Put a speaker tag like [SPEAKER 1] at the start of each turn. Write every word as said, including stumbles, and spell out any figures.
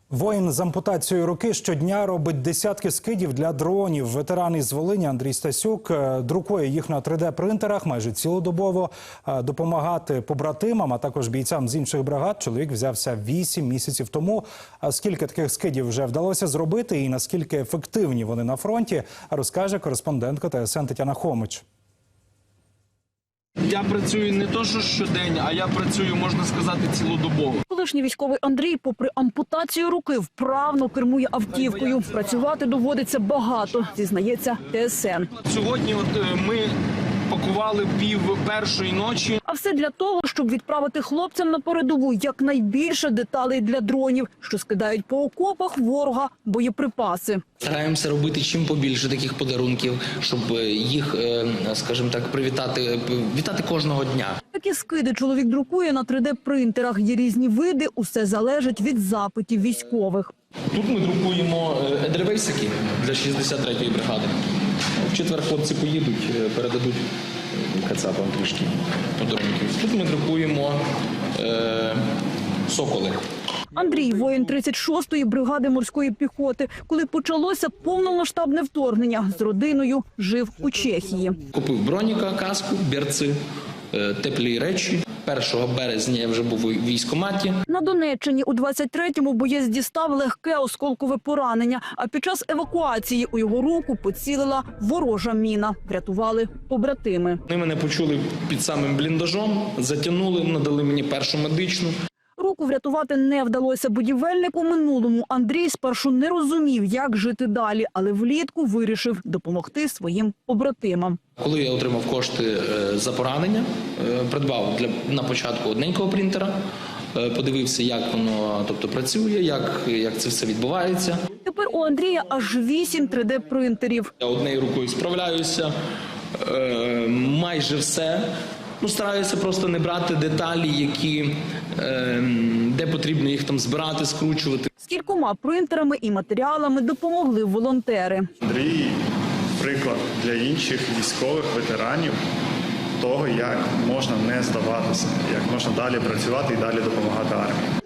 [SPEAKER 1] Воїн з ампутацією руки щодня робить десятки скидів для дронів. Ветеран із Волині Андрій Стасюк друкує їх на три де-принтерах майже цілодобово. Допомагати побратимам, а також бійцям з інших бригад чоловік взявся вісім місяців тому. Скільки таких скидів вже вдалося зробити і наскільки ефективні вони на фронті, розкаже кореспондентка Т С Н Тетяна Хомич.
[SPEAKER 2] Я працюю не то, що щодень, а я працюю, можна сказати, цілодобово.
[SPEAKER 3] Колишній військовий Андрій, попри ампутацію руки, вправно кермує автівкою. Працювати доводиться багато, зізнається Т С Н.
[SPEAKER 2] Сьогодні от ми пакували пів першої ночі.
[SPEAKER 3] А все для того, щоб відправити хлопцям на передову якнайбільше деталей для дронів, що скидають по окопах ворога боєприпаси.
[SPEAKER 4] Стараємося робити чим побільше таких подарунків, щоб їх, скажімо так, привітати, вітати кожного дня.
[SPEAKER 3] Такі скиди чоловік друкує на три де-принтерах. Є різні види, усе залежить від запитів військових.
[SPEAKER 4] Тут ми друкуємо едервейсики для шістдесят третьої бригади. В четвер хлопці поїдуть, передадуть кацапам трішки подарунків. Тут ми друкуємо е, соколи.
[SPEAKER 3] Андрій – воїн тридцять шостої бригади морської піхоти. Коли почалося повномасштабне вторгнення, з родиною жив у Чехії.
[SPEAKER 4] Купив броніка, каску, берці, теплі речі. першого березня я вже був у військкоматі.
[SPEAKER 3] На Донеччині у двадцять третьому боєць дістав легке осколкове поранення, а під час евакуації у його руку поцілила ворожа міна. Врятували побратими.
[SPEAKER 4] Вони мене почули під самим бліндажом, затягнули, надали мені першу медичну.
[SPEAKER 3] Руку врятувати не вдалося будівельнику минулому. Андрій спершу не розумів, як жити далі, але влітку вирішив допомогти своїм побратимам.
[SPEAKER 4] Коли я отримав кошти за поранення, придбав для, на початку одненького принтера, подивився, як воно тобто, працює, як, як це все відбувається.
[SPEAKER 3] Тепер у Андрія аж вісім три де-принтерів.
[SPEAKER 4] Я однією рукою справляюся, майже все. Ну, стараюся просто не брати деталі, які, е, де потрібно їх там збирати, скручувати.
[SPEAKER 3] З кількома принтерами і матеріалами допомогли волонтери.
[SPEAKER 5] Андрій – приклад для інших військових ветеранів того, як можна не здаватися, як можна далі працювати і далі допомагати армії.